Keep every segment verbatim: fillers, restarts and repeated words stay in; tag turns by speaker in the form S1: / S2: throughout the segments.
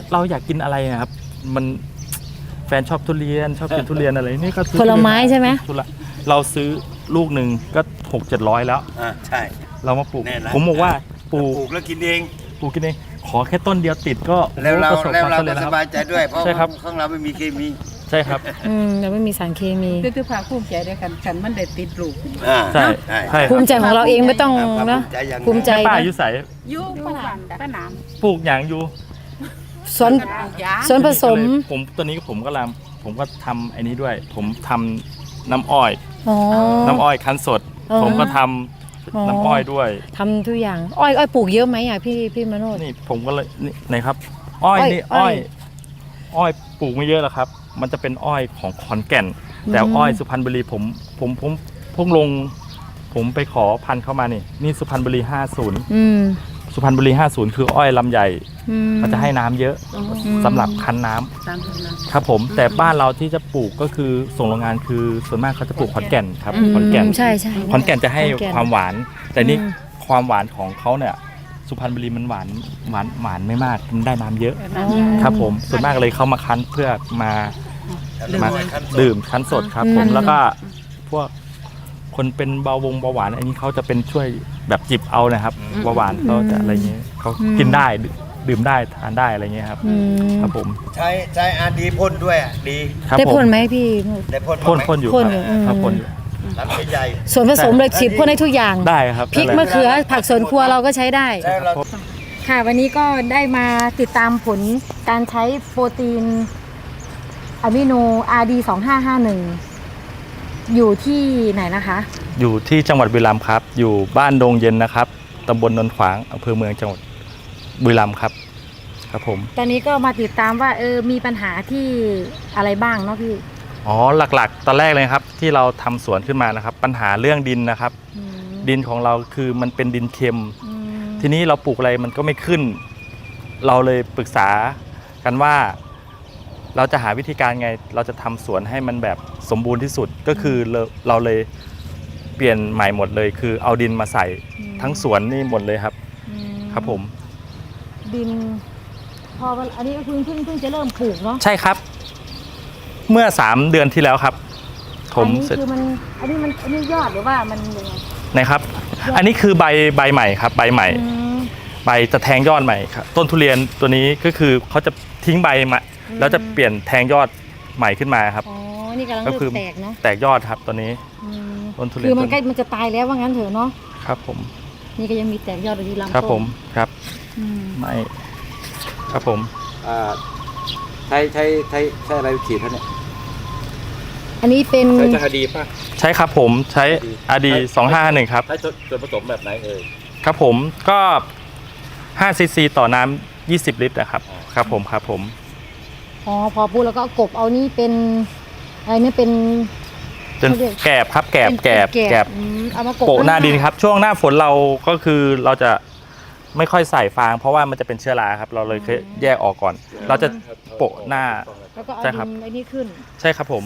S1: เราอยากกินอะไรนะครับมันแฟนชอบทุเรียนชอบกินทุเรียนอะไรนี่ก็
S2: ผลไม้ใช่ไหม
S1: เราซื้อลูกหนึ่งก็หกเจ็ดร้อยแล้ว
S3: อ่าใช่
S1: เรามาปลูกผมบอกว่าปลูก
S3: ปลูกแล้วกินเอง
S1: ปลูกกินเองขอแค่ต้นเดียวติดก็
S3: แล้วเราแล้วเรา
S1: ก็
S3: สบายใจด้วยเพราะข้างเราไม่มีเคมี
S1: ใช่ครับ
S2: อืมเราไม่มีสารเคมี
S4: คือภาคภูมิใจด้วยกันฉันมันได้ติดลูก
S1: ใช่ใช่
S2: ภูมิใจของเราเองไม่ต้องนะภูมิใจ
S1: ป้าอยู่ใส่
S4: ยู่ป้าหนามป้าหนาม
S1: ปลูกอย่างอยู่
S2: สวนสวนผสม
S1: ผมตัวนี้ผมก็ลำผมก็ทำไอ้นี้ด้วยผมทำน้ำอ้อยน้ำอ้อยคั้นสดผมก็ทำน้ำอ้อยด้วย
S2: ทำทุกอย่างอ้อยอ้อยปลูกเยอะไหมอ่ะพี่พี่มโนช
S1: นี่ผมก็เลยนี่ไหนครับอ้อยนี่อ้อยอ้อยปลูกไม่เยอะหรอกครับมันจะเป็นอ้อยของขอนแก่นแต่อ้อยสุพรรณบุรีผมผมผมพุ่งลงผมไปขอพันธุ์เข้ามานี่นี่สุพรรณบุรีห้าสิบสุพรรณบุรีห้าสิบคืออ้อยลำใหญ่มันจะให้น้ำเยอะสำหรับคั้นน้ำครับผมแต่บ้านเราที่จะปลูกก็คือส่งโรงงานคือส่วนมากเขาจะปลูกขอนแก่นครับขอนแก่น
S2: ใช่ใช่
S1: ขอนแก่นจะให้ความหวานแต่นี่ความหวานของเขาเนี่ยสุพรรณบุรีมันหวานหวานหวานไม่มากมันได้น้ำเยอะครับผมส่วนมากเลยเขามาคั้นเพื่อมามาดื่มคั้นสดครับผมแล้วก็พวกคนเป็นเบาวงเบาหวานอันนี้เขาจะเป็นช่วยแบบจิบเอานะครับเบาหวานเขาจะอะไรเงี้ยเขากินได้ดื่มได้ทานได้อะไรเงี้ยครับครับผม
S3: ใช้ใช้อาดีพ่นด้วยอ่ะดี
S2: ได้พ่นไหมพี่
S3: ได้พ่น
S1: พ่นพ่นอยู่ครับพ่นอยู่
S3: ลำใหญ่
S2: ส่วนผสมเลยฉีดพ่นให้ทุกอย่าง
S1: ได้ครับ
S2: พริกมะเขือผักสวนครัวเราก็ใช้ได้ค่ะวันนี้ก็ได้มาติดตามผลการใช้โปรตีนอะมิโน อาร์ ดี สองห้าห้าหนึ่งอยู่ที่ไหนนะคะ
S1: อยู่ที่จังหวัดบุรีรัมย์ครับอยู่บ้านดงเย็นนะครับตำบลนนขวางอำเภอเมืองจังหวัดบุรีรัมย์ครับครับผม
S2: ตอนนี้ก็มาติดตามว่าเออมีปัญหาที่อะไรบ้างเนาะพี่
S1: อ๋อหลักๆตอนแรกเลยครับที่เราทำสวนขึ้นมานะครับปัญหาเรื่องดินนะครับดินของเราคือมันเป็นดินเค็มทีนี้เราปลูกอะไรมันก็ไม่ขึ้นเราเลยปรึกษากันว่าเราจะหาวิธีการไงเราจะทำสวนให้มันแบบสมบูรณ์ที่สุดก็คือเราเราเลยเปลี่ยนใหม่หมดเลยคือเอาดินมาใส่ทั้งสวนนี่หมดเลยครับครับผม
S2: ดินพออันนี้ก็เพิ่งเพิ่งเพิ่งจะเริ่มปลูกเนาะ
S1: ใช่ครับเมื่อสามเดือนที่แล้วครับผม
S2: อันนี้คือมันอันนี้มันอันนี้ยอดหรือว่ามันยังไง
S1: นะครับอันนี้คือใบใบใหม่ครับใบใหม่ใบจะแทงยอดใหม่ครับต้นทุเรียนตัวนี้ก็คือเขาจะทิ้งใบมาแล้วจะเปลี่ยนแทงยอดใหม่ขึ้นมาครับ
S2: อ๋อนี่กำลังเริ่มแตกเนาะ
S1: แตกยอดครับตัวนี้
S2: ต้นทุเรียนคือมันใกล้มันจะตายแล้วว่างั้นเถอะเนาะ
S1: ครับผม
S2: นี่ก็ยังมีแตกยอดอยู่ลำต้น
S1: ครับผมครับไม่ครับผม
S3: อ่าใช้ใช้ใช้ใช้อะไรฉีดท่านเนี่ย
S2: อันนี้เป็น
S3: ใช้จะอาดีป่ะ
S1: ใช่ครับผมใช้อาดีสองห้าหนึ่งครับ
S3: ใช้ส่วนผสมแบบไหนเอ่ย
S1: ครับผมก็ห้าซีซีต่อน้ำยี่สิบลิตรนะครับครับผมครับผม
S2: อ๋อพอพูดแล้วก็กบเอานี่เป็นอะไรนี่เป็น
S1: เป็นแกบครับแกบแกบแกบ
S2: เอามา
S1: โปะหน้าดินครับช่วงหน้าฝนเราก็คือเราจะไม่ค่อยใส่ฟางเพราะว่ามันจะเป็นเชื้อราครับเราเลยแยกออกก่อนเราจะโปะหน้า
S2: แล้วก็เอาดินไอ้นี่ขึ้น
S1: ใช่ครับผม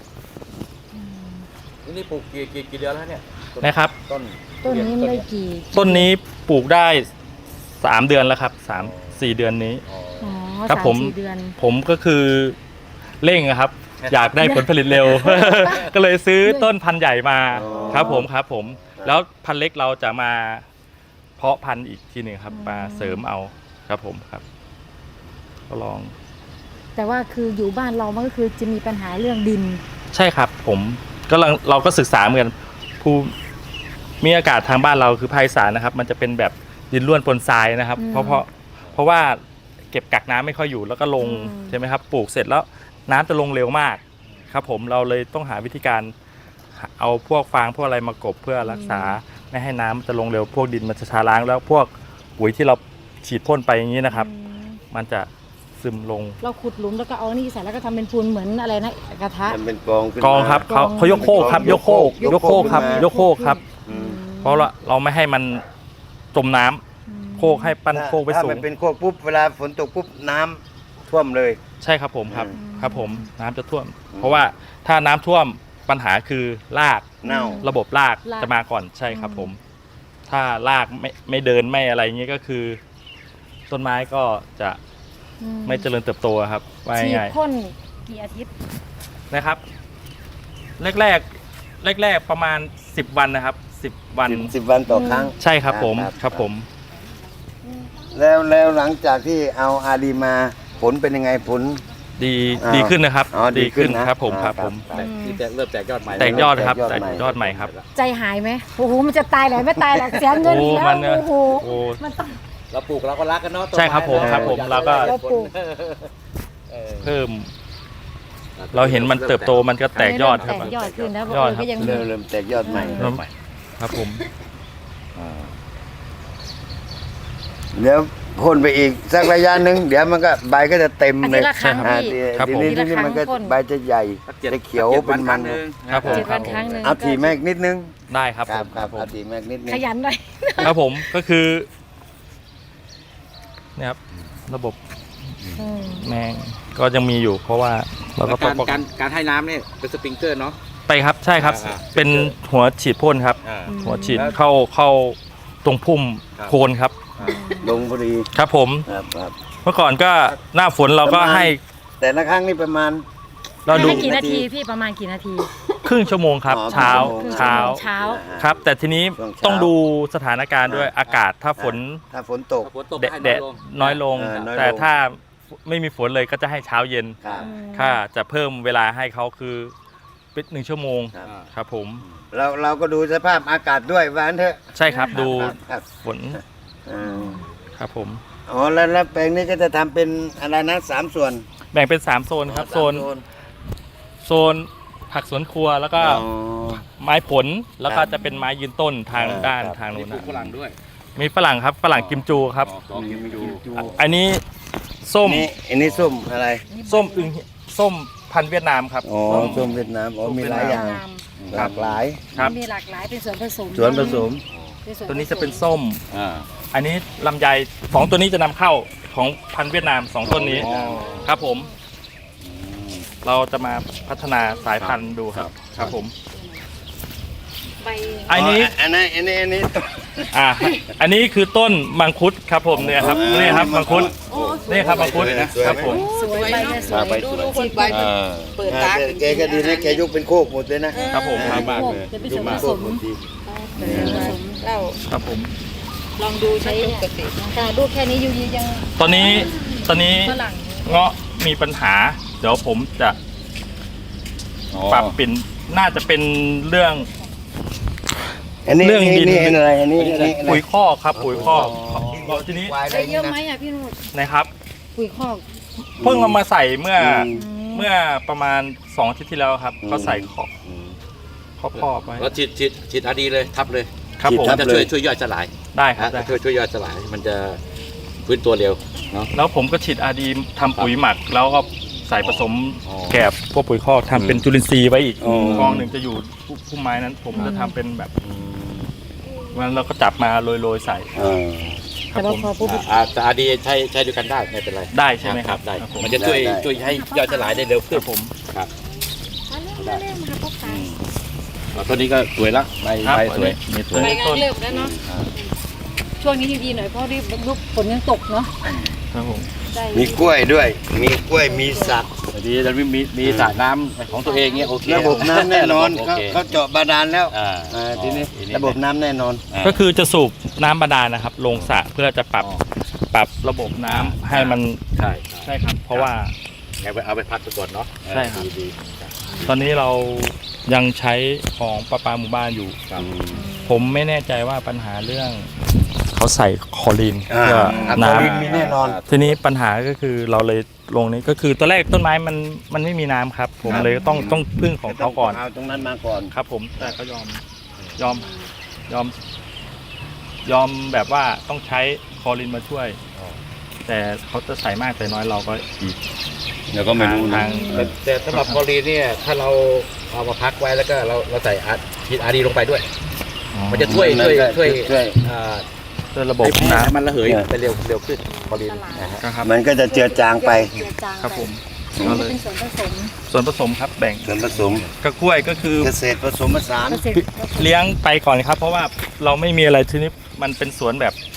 S3: นี่ปลูกกี่กี่กี่เดือนแล้วเนี่ย
S1: นะครับ
S3: ต้น
S2: ต้นนี้ได้กี่
S1: ต้นนี้ปลูกได้สามเดือนแล้วครับสามสี่เดือนนี้ครับผมผมก็คือเร่งครับอยากได้ผลผลิตเร็วก็เลยซื้อต้นพันธุ์ใหญ่มาครับผมครับผมแล้วพันธุ์เล็กเราจะมาเพาะพันธุ์อีกทีหนึ่งครับมาเสริมเอาครับผมครับก็ลอง
S2: แต่ว่าคืออยู่บ้านเรามันก็คือจะมีปัญหาเรื่องดิน
S1: ใช่ครับผมก็เราก็ศึกษาเหมือนภูมิอากาศทางบ้านเราคือภาคอีสานนะครับมันจะเป็นแบบดินร่วนปนทรายนะครับเพราะเพราะเพราะว่าเก็บกักน้ำไม่ค่อยอยู่แล้วก็ลงใช่ไหมครับปลูกเสร็จแล้วน้ำจะลงเร็วมากครับผมเราเลยต้องหาวิธีการเอาพวกฟางพวกอะไรมากบเพื่อรักษาไม่ให้น้ำจะลงเร็วพวกดินมันจะชาล้างแล้วพวกปุ๋ยที่เราฉีดพ่นไปอย่างนี้นะครับมันจะซึมลง
S2: เราขุดหลุมแล้วก็เอานี่ใส่แล้วก็ทำเป็นปูนเหมือนอะไรนะกระทะ
S3: เป็นกอง
S1: กองครับเขาเขายกโคกครับยกโคกยกโคกครับยกโคกครับเพราะเราเราไม่ให้มันจมน้ำโคกให้ปั้นโคกไปสูง
S3: ถ้ามันเป็นโคกปุ๊บเวลาฝนตกปุ๊บน้ำท่วมเลย
S1: ใช่ครับผมครับครับผมน้ำจะท่วมเพราะว่าถ้าน้ำท่วมปัญหาคือราก
S3: เน่า
S1: ระบบรากจะมาก่อนใช่ครับผมถ้ารากไม่ไม่เดินไม่อะไรเงี้ยก็คือต้นไม้ก็จะ
S2: อืม
S1: ไม่เจริญเติบโตอะครับว่า
S2: ฉีด
S1: ง่าย
S2: พ่นกี่อาทิตย์
S1: ๆนะครับแรกแรกแรกแรกๆประมาณสิบวันนะครับสิบวัน
S3: สิบสิบวันต่อครั้ง
S1: ใช่ครับผม
S3: ครับ
S1: ครับผม
S3: แล้วแล้วหลังจากที่เอาอาดีมาผลเป็นยังไงผล
S1: ดี
S3: อ่า
S1: ดีขึ้นนะครับ
S3: อ๋อดีขึ้นนะครับ
S1: ผม
S3: อ่า
S1: ครับผม
S3: ครับ
S4: แต่ที่แตกเริ่มแตกยอดใหม่
S1: แตกยอดครับ
S3: แต
S1: แต
S3: ก
S1: ก
S3: ย
S1: ย
S3: อ
S1: อ
S3: ด
S1: ด
S3: ให
S1: ให
S3: ม่
S1: ม่ครับ
S2: ใจหายไหมโอ้โหมันจะตายไหนไม่ตายหรอกเสียเงิน
S1: โอ้
S2: อีกแล้ว
S1: มันเนี่ย
S2: โอ้โห
S1: โอ้
S2: มันต้อง
S4: เราปลูกเราก็รักกันเนาะต้น
S1: ใช่ครับผม
S4: ไนะ
S1: ครับผม
S4: อย
S1: แล้วก็
S2: เราปลูก
S4: เออ
S1: เพิ่ม เราเห็นมันเติบโตมันก็แตกยอดครับ
S2: แตกยอดขึ้นแล้ว
S1: ยอด
S2: เออ
S1: ครับ
S2: ก็ยัง
S3: เริ่มเริ่มแตกยอดใหม่
S1: เริ่มครับผม
S3: เดี๋ยวพ่นไปอีกสักระยะหนึ่งเดี๋ยวมันก็ใบก็จะเต็ม
S2: อา
S3: เล
S2: ทิต
S3: ย
S2: ย์ละครั้ง
S3: อ่า
S2: พี่
S1: ครับ
S3: ที
S1: ผม
S3: นี้ทีนี้มันก็
S2: ทีละครั้งพ่น
S3: ใบจะใหญ่
S4: สักจ็ด
S3: จะเขียว
S4: จ็ด
S3: เป็นมัน
S4: ครั้งหง
S1: ครับผม
S2: เจ็ดวันครั้งหนึ่ง
S3: เอาทีแม็กนิดนึง
S1: ได้ครับ
S3: ครับ
S1: ผม
S3: ครับ
S1: ผม
S3: เอาทีแม็กนิดนึง
S2: ขยันหน่อย
S1: ครับผมก็คือเนี่ยครับระบบ
S2: อืม
S1: แมงก็ยังมีอยู่ เพราะว่าเราก็
S4: แล้ว
S1: ต้อ
S4: กาง รการการให้น้ำเนี่ยเป็นสปริงเกอร์เนาะ
S1: ไปครับใช่ครับ
S4: อ่า
S1: เป็นหัวฉีดพ่นครับ
S4: อ่า
S1: หัวฉีด
S3: แล้ว
S1: เข้าเข้าตรงพุ่ม
S4: ครับ
S1: โคนครับ
S3: ลงพอดี
S1: ครับผม
S3: ครับครับ
S1: เมื่อก่อนก็หน้าฝนเราก็
S3: ประมาณ
S1: ให้
S3: แต่ละครั้งนี่ประมาณ
S1: เราดู
S2: ให้กี่นาทีพี่ประมาณกี่นาที
S1: ครึ่งชั่วโมงครับ
S3: อ๋อ
S1: เช้า
S3: ครึ่งชั่วโมง
S1: เช้า
S2: เช้า
S1: ครับ แต่ทีนี้
S3: ช่วงเช้า
S1: ต้องดูสถานการณ์ด้วย
S3: อ่า
S1: อากาศถ้าฝน
S3: ถ้าฝนตก
S4: ถ้าฝนตก
S1: แดด
S4: ให้
S1: แด
S4: น้อย
S1: ด
S4: ลง
S1: น้อยลง
S3: เออน้อยลง
S1: แต่ถ้าไม่มีฝนเลยก็จะให้เช้าเย็น
S3: ครับ
S1: ถ้าจะเพิ่มเวลาให้เขาคือเป็นหนึ่งชั่วโมง
S3: ครับ
S1: ครับผม
S3: เราเราก็ดูสภาพอากาศด้วยว่างั้นเถอะ
S1: ใช่ครับดู
S3: ครับครับ
S1: ฝน
S3: อืม
S1: ครับผม
S3: อ๋อแล้วแล้วแปลงนี้ก็จะทำเป็นอะไรนะสามส่วน
S1: แบ่งเป็นสามโซนครับ
S3: อ๋อ
S1: โซน
S3: สาม
S1: โซนผักสวนครัวแล้วก็
S3: อ๋อ
S1: ไม้ผลแล้วก็
S3: ครับ
S1: จะเป็นไม้ยืนต้นทาง
S3: ครับ
S1: ด้าน
S3: ครับ
S1: ทาง
S4: มี
S1: นู้น
S4: ปลู
S1: นะ
S4: กฝรั่งด้วย
S1: มีฝรั่งครับฝรั่งกิมจูครับ
S4: อ๋อกิมจู
S1: อันนี้ส้ม
S3: นี่อันนี้ส้มอะไร
S1: ส้มอึงส้มพันธุ์เวียดนามครับ
S3: อ๋อ
S1: ส้ม
S3: ส้มเวียดนามอ๋อมีหลายอย่างหลากหลาย
S1: ครับ
S2: มีหลากหลายเป็นส่วนผสม
S3: ส่วนผสม
S2: เป็ส่
S1: ตัวนี้จะเป็นส้ม
S4: อ่า
S1: อันนี้ลำไยสองตัวนี้จะนำเข้าของพันธุ์เวียดนามสองต้นนี้
S3: อ๋อ
S1: ครับผม เราจะมาพัฒนาสายพันธุ์ดูครับ ครับผม
S2: ใบ
S1: อันนี้
S3: อันนี้อันนี้อันนี้
S1: อ่า อันนี้คือต้นมังคุดครับผมเนี่ยครับนี่ครับมังคุดนี่ครับมังคุดครับผม
S2: สวยใบเนี่ยสวย
S3: ใบสวย
S4: คนใบเปิดตา
S3: แกก็ดีนะแกยกเป็นโคกหมดเลยนะครับ
S1: ผม
S3: อ่า
S1: ครับ
S2: จะเป็นส่วนผสม
S4: เป็นผสมเหล้า
S1: ครับผม
S4: ลองดูใช้ปกติ
S2: ค่ะดูแค่นี้ยูยียัง
S1: ตอนนี้ตอนนี้
S2: ฝรั่ง
S1: เงาะมีปัญหา เดี๋ยวผมจะปรับเปลี่ยนน่าจะเป็นเรื่อง
S3: อันนี้
S1: เรื่องดิน
S3: นี่อันอะไรอันนี้อันนี้
S1: ปุ๋ยคอกครับ ปุ๋ยคอกทีนี้
S3: ควายอะไร
S2: ใช้เย
S3: นี่
S2: อะ
S3: นะ
S2: ไหมอ่ะพี่นุช
S1: นะครับ
S2: ปุ๋ยคอก
S1: เพิ่งเอามาใส่เมื่ออ
S3: ม
S1: เมื่อประมาณสองอาทิตย์ที่แล้วครับ
S3: อืม
S1: เขาใส่คอก
S3: อืม
S1: คอกคอกไว้
S4: แล้วฉีดฉีดฉีดอาดีเลยทับเลย
S1: ครับผม
S3: ฉี
S4: มั
S3: ด
S4: น
S3: ทั
S4: จะ
S3: บ
S4: ช่วย
S3: เลย
S4: ช่วยย่อยสลาย
S1: ได้ครับ
S4: นะ
S1: ได้
S4: ช่วยช่วยย่อยสลาย มันจะฟื้นตัวเร็วเนาะ
S1: แล้วผมก็ฉีดอาดีทำปุ๋ยหมัก แล้วก็ใส่ผสม
S4: อ๋อ
S1: แกบพวกปุ๋ยคอกทำเป็นจุลินทรีย์ไว้อีก
S3: อ๋อ
S1: กองหนึ่งจะอยู่พุ่มไม้นั้น ผมจะทำเป็นแบบมันเราก็จับมาโรยๆใส่
S3: อ่า
S1: ครั
S2: แต่
S1: บ
S2: ว่า
S1: ผม
S2: พอปุ๊บ
S4: อ่าแต่อาดีใช้ใช้ด้วยกันได้ไม่เป็นไร
S1: ได้ใช่ไหมครับ
S4: ได้
S1: ครับผม
S4: มันจะช่วย
S3: ได้
S4: ช่วยให้ย่อยสลายได้เร็ว
S1: ค
S4: ขึ้น
S1: รับผม
S4: ครับ
S2: มาเร็วมาเร็วมาพบกัน
S4: อ่าต้นนี้ก็สวยละใบ
S1: ครับ
S4: ใบสวยมีสวย
S2: ไปงานเร็วแล้วเนาะช่วงนี้ดีๆหน่อยเพราะรีบลูกฝนยังตกเนาะ
S1: ครับผม
S2: ได้
S3: มีกล้วยด้วย มีกล้วยมีสัก
S4: แต่ดีจะมีมีมีสระน้ำของตัวเองเงี้ยโอเค
S3: ระบบน้ำแน่นอน
S4: โอ
S3: เขา
S4: เค
S3: เขาเจาะบาดาลแล้ว
S4: อ่า
S3: อ่าทีนี้
S4: ทีนี้
S3: ระบบน้ำแน่นอน
S4: อ่า
S1: ก็คือจะสูบน้ำบาดาลนะครับ ลงสระเพื่อจะปรับ
S4: อ๋อ
S1: ปรับระบบน้ำให้มัน
S4: ใช่
S1: ใช่ครับ เพราะว่า
S4: งั้นไปเอาไปพักไปก่อนเนาะ
S1: ใช่ครับ
S4: ดีดี
S1: ตอนนี้เรายังใช้ของประปาหมู่บ้านอยู่
S4: ครับ
S1: ผมไม่แน่ใจว่าปัญหาเรื่องเขาใส่คลอรีน
S3: อ่า
S1: เพื่อ
S3: อ่า
S1: น้
S3: คลอรีนมีแน่นอน
S1: ำทีนี้ปัญหาก็คือเราเลยลงนี้ก็คือตอนแรกต้นไม้มันมันไม่มีน้ำครับ ผมเลยต้องต้องพึ่งของเขาก่อน
S3: เอาตรงนั้นมาก่อน
S1: ครับ ผมแต่เขายอมยอมยอม ยอมแบบว่าต้องใช้คลอรีนมาช่วย แต่เขาจะใส่มากใส่น้อยเราก็อีก
S3: เดี๋ยวก็ไม่รู้
S1: ทา
S3: นะ
S1: ง
S4: แต่แต่สำหรับคลอรีนเนี่ยถ้าเราเอามาพักไว้แล้วก็เราเราใส่อาฉีดอาดีลงไปด้วย มันจะช่วยช่วยช่วย
S3: ช่วย
S4: อ่า
S1: ด้วยระบบ
S4: ให้
S1: น้
S4: ให้มันระเหย
S3: เออ
S4: ไปเร็วเร็วขึ้นคลอรีนนะฮะ
S1: ำนะครับ
S3: มันก็จะเจือจางไป
S2: เจือจาง
S1: ครับผม
S2: อัน
S1: ก็
S2: นี้
S1: เลย
S2: เป็นส่วนผสม
S1: ส่วนผสมครับแบ่ง
S3: ส่วนผสม
S1: กระกล้วยก็คือ
S3: เกษตรผสมผสาน
S2: เกษตร
S1: เลี้ยงไปก่อนครับ เพราะว่าเราไม่มีอะไรทีนี้มันเป็นสวนแบบ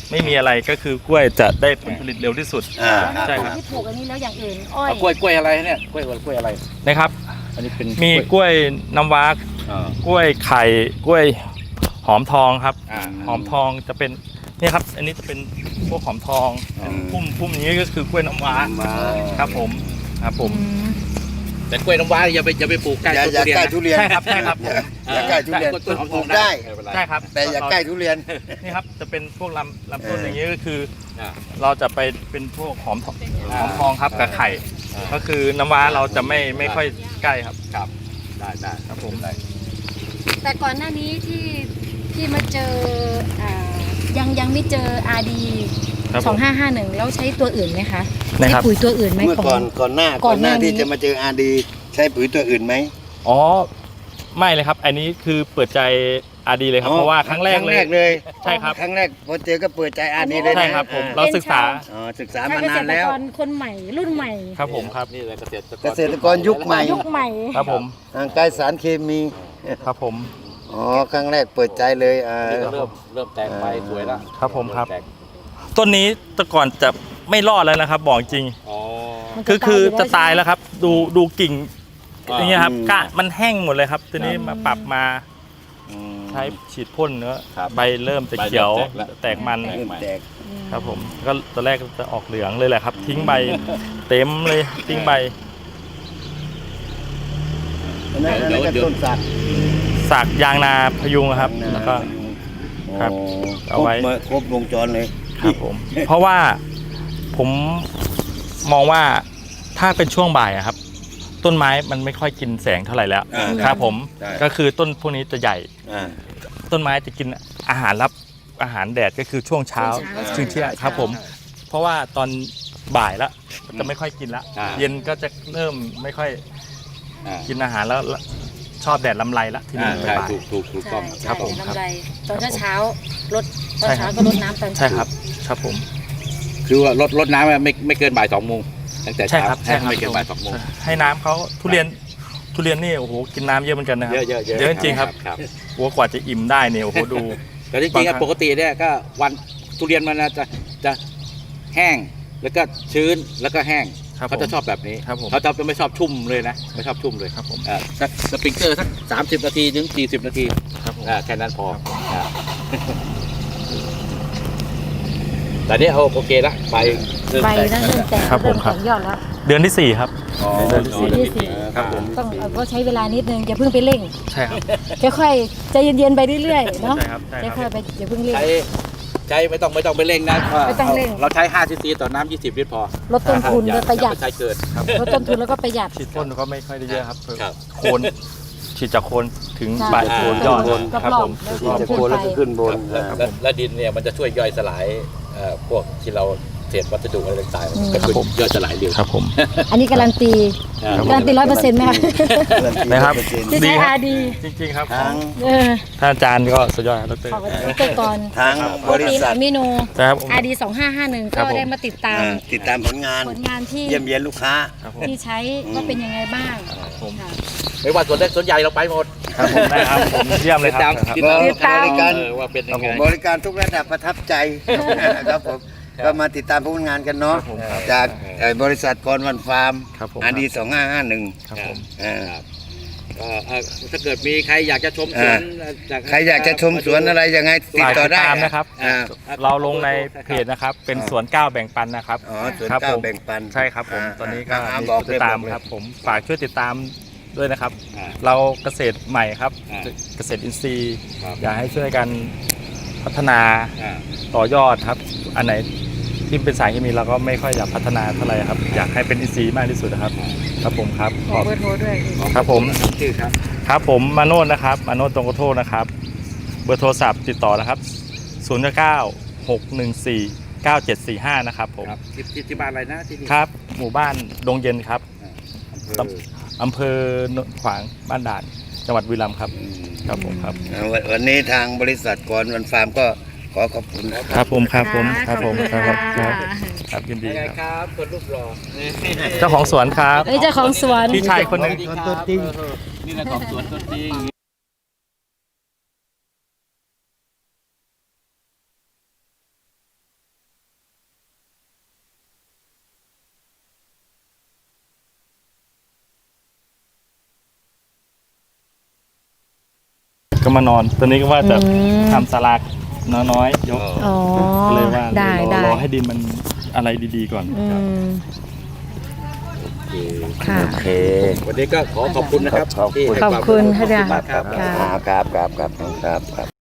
S1: ไม่มีอะไรก็คือกล้วยจะได้ผลผลิตเร็วที่สุด
S3: อ่า
S1: ใช่ครับ
S2: ที่ปลูกอันนี้แล้วอย่างอื่นอ้อย
S4: เอากล้วยกล้วยอะไรเนี่ยกล้วยกล้วยอะไร
S1: นะครับ
S4: อันนี้เป็น
S1: มีกล้วยน้ำว้า
S4: อ่าก
S1: ล้วยไข่กล้วยหอมทองครับ
S4: อ่า
S1: หอมทองจะเป็นเนี่ยครับ อันนี้จะเป็นพวกหอมทอง
S4: อืม
S1: พุ่มพุ่มนี้ก็คือกล้วยน้ำว้า
S3: มา
S1: ครับผมครับผม
S2: อืม
S4: แต่กล้วยน้ำว้าอย่าไปอย่าไปปลูกใกล้
S3: อย่า
S4: ต้น
S3: อย่า
S4: ทุเรียน
S3: ใกล้
S4: นะ
S3: ทุเรียน
S1: ใช่ครับใช่ครับ
S3: อย่าอย่าใกล้ทุเรียน
S4: ต้นหอม
S3: ป
S4: ท
S3: ลู
S4: อง
S3: กได้
S4: ม่เป็นร
S1: ใช่ครับ
S3: แต่อย่าใกล้ทุเรียน
S1: นี่ครับจะเป็นพวกลำลำต้น
S3: เออ
S1: อ
S3: อ
S1: ย่างนี้ก็คือ
S4: อ่า
S1: เราจะไปเป็นพวกหอมทอง
S4: อ่า
S1: หอมทองครับกับไข่
S4: อ่า
S1: ก็คือน้ำว้าเราจะไม่ไม่ค่อยใกล้ครับ
S4: ครับได้ได้ครับผมได้
S2: แต่ก่อนหน้านี้ที่ที่มาเจออ่ายังยังไม่เจอ อาร์ ดี
S1: ครับ
S2: ส
S1: ผ
S2: อง
S1: ม
S2: ห้าห้าหนึ่งแล้วใช้ตัวอื่นไหมคะ
S1: นะ
S2: ใช้
S1: ครับ
S2: ปุ๋ยตัวอื่นไหม
S3: เมื่อ
S2: ของ
S3: ก่อนก่อนหน้า
S2: ก่
S3: ก่
S2: อ
S3: อน น
S2: ห
S3: ห
S2: น้า
S3: น้า
S2: นี้
S3: ที่จะมาเจออาร์ดีใช้ปุ๋ยตัวอื่นไหม
S1: อ๋อไม่เลยครับ อันนี้คือเปิดใจอาดีเลยครับ
S3: อ๋อ
S1: เพราะว่าครั้งแรก
S3: ครั้ง
S1: เล
S3: แร
S1: ย
S3: กเลย
S1: ใช่ครับ
S3: ครั้งแรกพอเจอก็เปิดใจอาร์ดีเลยนะ
S1: ใช่ครับผม
S3: อ่
S1: เราศึกษา
S3: อ๋อศึกษา
S2: ถ้
S3: มานานแล้ว
S2: เกษตรกรคนใหม่รุ่นใหม่
S1: ครับผมครับ
S4: นี่แหละเกษตรกร
S3: เกษตรกรยุคใหม่
S2: ยุคใหม่
S1: ครับผม
S3: ห่างไกลสารเคมี
S1: ครับผม
S3: อ๋อครั้งแรกเปิดใจเลยอ่า
S4: นี่ก็เริ่มเริ่มแตกใบสวยแล้ว
S1: ครับผมครับ
S4: เมแตก
S1: ต้นนี้แต่ก่อนจะไม่รอดแล้วนะครับ บอกจริง
S4: อ๋อ
S2: มัน
S1: คือคือจะตายแล้ว
S2: ใช่ไหม
S1: ครับ ดูดูกิ่ง
S4: อ่า
S1: อย่างเงี้ยครับกะมันแห้งหมดเลยครับทีนี้มาปรับมา
S3: อืม
S1: ใช้ฉีดพ่นเนื้อ
S4: ครับ
S1: ใบเริ่มจะเขียว
S4: ใบเริ่มแตกแล้ว
S1: แตกมัน
S3: เริ่มแตก
S1: ครับผมก็ตอนแรกจะออกเหลืองเลยแหละครับ ทิ้งใบเต็มเลยทิ้งใบ
S3: อันนั้นอันนั้นก็ต้นสัก
S1: สากยางนาพยุงครับ แล้วก็ ครับ
S3: อ๋อ
S1: เอาไว้
S3: ครบมาครบวงจรเลย
S1: ครับผม เพราะว่าผมมองว่าถ้าเป็นช่วงบ่ายอะครับ ต้นไม้มันไม่ค่อยกินแสงเท่าไหร่แล้ว
S3: อ่า
S1: ครับผม
S3: ใช่
S1: ก็คือต้นพวกนี้จะใหญ่
S3: อ่า
S1: ต้นไม้จะกินอาหารรับอาหารแดดก็คือช่วงเช้า
S2: ช่วงเช้า
S1: ช่วงเที่ยงครับผม เพราะว่าตอนบ่ายแล้วจะไม่ค่อยกินละ
S4: อ่า
S1: เย็นก็จะเริ่มไม่ค่อย
S4: อ่า
S1: กินอาหารแล้วชอบแดดลำไรละที
S4: อ่า
S1: นี้
S4: ใช่
S1: บ่าย
S4: ถูกถูกถูกต้อง
S2: ใช่
S1: ครับผม
S2: ใช่
S1: ครับ
S2: ลำไรตอนเช้าๆรดตอน
S1: ใช่ครั
S2: เช้า
S1: บ
S2: ก็รดน้ำตอน
S1: ใช่ครับครับผม
S4: คือว่าลดลดน้ำไม่ไม่เกินบ่ายสองโมงตั้งแต่
S1: ใช่
S4: เช้า
S1: ครับใช่ครับ
S4: ไม่เกินบ่ายสองโมง
S1: ให้น้ำเขาทุเรียนทุเรียนนี่โอ้โหกินน้ำเยอะเหมือนกันนะครับ
S4: เยอะเยอะเยอะ
S1: เยอะจริงๆครับ
S4: ครับ
S1: หัวกว่าจะอิ่มได้เนี่ยโอ้โหดู
S4: แต่ที่จริง
S1: บางครั้
S4: อะ
S1: ง
S4: ปกติเนี่ยก็วันทุเรียนมันจะจะแห้งแล้วก็ชื้นแล้วก็แห้ง
S1: ครับ
S4: เขาจะชอบแบบนี้
S1: ครับผม
S4: เขาจะไม่ชอบชุ่มเลยนะไม่ชอบชุ่มเลย
S1: ครับผม
S4: อ่าสักสปริงเกอร์สักสามสิบนาทีถึงสี่สิบนาที
S1: ครับผม
S4: อ่าแค่นั้นพออ่าแต่นี่เอาโอเคละใบเริ่ม
S2: ใบ
S4: แตก
S2: นั้นเริ่มแตก
S1: ครับผม
S2: เริ่
S1: ครับ
S2: แตกยอดแล้ว
S1: เดือนที่สี่ครับ
S4: อ๋อ
S1: เดือนที่สี่
S2: เดือนที่สี่
S4: ครับผม
S2: ต้องเอ่อก็ใช้เวลานิดนึงอย่าเพิ่งไปเร่ง
S1: ใช่ครับ
S2: ค่อยๆใจเย็นๆไปเรื่อยๆเนาะ
S1: ใช่ครับใช่ครับ
S2: ค่อยๆไปอย่าเพิ่งเร่ง
S4: ใช้ใช้ไม่ต้องไม่ต้องไปเร่งนะ
S2: ไม่ต้องเร่ง
S4: เราใช้ห้าซีซีต่อน้ำยี่สิบลิตรพอ
S2: ลดต้นทุน
S4: อย่า
S2: และประหยัด
S4: อาไปใช้เกิน
S2: ลดต้นทุนแล้วก็ประหยัด
S1: ฉีดพ่นก็ไม่ค่อยได้เยอะครับ
S4: ครับ
S1: โคนฉีดจากโคนถึง
S2: ใช่
S1: ใบโคนยอด
S2: รอบๆ
S1: ครับผม
S2: รอบๆ
S3: จะโคนแล้วก็ขึ้นบน
S4: แล้ว
S3: อ่า
S4: แล้วแล้วดินเนี่ยมันจะช่วยย่อยสลายเอ่อพวกที่เราเศษวัสดุอะไรต่าง
S2: อืม
S4: ๆก็ช่วยย่อยสลายเร็ว
S1: ครับผม
S2: อันนี้การันตี
S4: อ่า
S2: การันตีร้อยเปอร์เซ็นต์ไหมคะ
S1: นะครับ
S2: ที่
S1: ดี
S2: ใช้
S1: ครับ
S2: อาร์ดี
S1: จริงๆครับ
S3: ทาง
S2: เออ
S1: ท่านอาจารย์ก็สุดยอดครับดร
S2: ขอบคุณเกษตรกร
S3: ทาง
S2: โป
S3: บ
S2: ร
S3: ริ
S2: ตีน
S3: ษั
S2: อะ
S3: ท
S2: มิโน
S1: ครับ
S2: อาร์ดีสองห้าห้าหนึ่ง
S1: ครั
S2: ก็
S1: บผม
S2: ได้มาติดตาม
S3: อ่าติดตามผลงาน
S2: ผลงานที่
S3: เยี่ยมเยียนลูกค้า
S1: ครับผม
S2: ที่ใช้ว่าเป็นยังไงบ้าง
S1: ผม
S2: ค่ะ
S4: ไม่ว่าส่วนเล็กส่วนใหญ่เราไปหมด
S1: ครับผมได้ครับผมเยี่ยมเลยครับ
S4: ติดตาม
S2: ติดตาม
S3: บริการ
S4: เออว่าเป็นยังไง
S3: บริการทุกระดับประทับใจครับผมก็มาติดตามผลงานกันเนาะ
S1: ครับผมครับ
S3: จากเอ่อบริษัทกรวันฟาร์ม
S1: ครับผม
S3: อาดีสองห้าห้าหนึ่ง
S1: ครับผม
S4: ครับก็เอ่อถ้าเกิดมีใครอยากจะชมสวนจาก
S3: ใครอยากจะชมสวนอะไรยังไงติด
S1: ฝาก
S3: ต่อ
S1: ติด
S3: ได้
S1: ตามนะครับ
S3: อ่า
S1: เราลงในเพจนะครับ เป็นสวนก้าวแบ่งปันนะครับ
S3: อ๋อสวน
S1: ครับ
S3: ก้าว
S1: ผม
S3: แบ่งปัน
S1: ใช่ครับผม
S3: อ่า
S1: ตอนนี้ก็
S3: อ่า
S1: มี
S3: บอก
S1: ติดตาม
S3: เลยบอกเลย
S1: ครับผมฝากช่วยติดตามด้วยนะครับ
S4: อ่า
S1: เราเกษตรใหม่ครับ
S4: อ่า
S1: เกษตรอินทรีย์
S4: ครับ
S1: อยากให้ช่วยกันพัฒนา
S4: อ่า
S1: ต่อยอดครับ อันไหนที่เป็นสายเคมีเราก็ไม่ค่อยอยากพัฒนาเท่าไหร่ครับ อยากให้เป็นอินทรีย์มากที่สุดนะครับ ครับผมครับ
S2: ขอเบอร์โทรด้วย
S1: ครับผม
S4: ชื่อครับ
S1: ครับผมมาโนดนะครับมาโนดตรงกระโทษนะครับ เบอร์โทรศัพท์ติดต่อนะครับศูนย์เก้าหกหนึ่งสี่เก้าเจ็ดสี่ห้านะครับผม
S4: ครับที่ที่ที่บ้านอะไรนะที่นี่
S1: ครับ หมู่บ้านดงเย็นครับ
S4: อำเภอ
S1: อำเภอโนนขวางบ้านด่านจังหวัดบุรีรัมย์ครับ ครับผมครับ
S3: อ่าวันวันนี้ทางบริษัทกรวันฟาร์มก็ขอขอบคุณนะค
S1: ครับ รับผมครับผมครับผม
S2: ข
S1: ค
S2: อ
S1: รับ
S2: ณ
S1: ครับ
S2: ะ
S1: ครับยินดี
S4: ยังไง
S1: ครับ
S4: ครับคนรูปหล่อ
S1: เจ้าของสวนครับ
S2: เอ้ยเจ้าของสวน
S1: พี่ชายคนหนึ่ง
S4: สวัสดีครับเออนี่แหละของสวนตัวจริง
S1: ก็มานอนตอนนี้ก็ว่าจะ
S2: อืม
S1: ทำศาลาน้อยๆยก
S2: อ๋อ
S1: ก็เลยว่า
S2: ได้
S1: รอ
S2: ได้
S1: รอให้ดินมันอะไรดีๆก่อน
S2: อืม
S4: โอเค
S2: ค่ะ
S3: โอเค
S4: วันนี้ก็ขอขอบคุณนะครับ
S3: ขอบคุณ
S4: ที่ให้
S2: ขอบ
S4: วาม
S2: คุณ
S4: รู้
S2: ค่ะ
S4: ขอบคุณมาก
S3: ครับ
S4: ครับ
S3: ครับครับครับครับครับ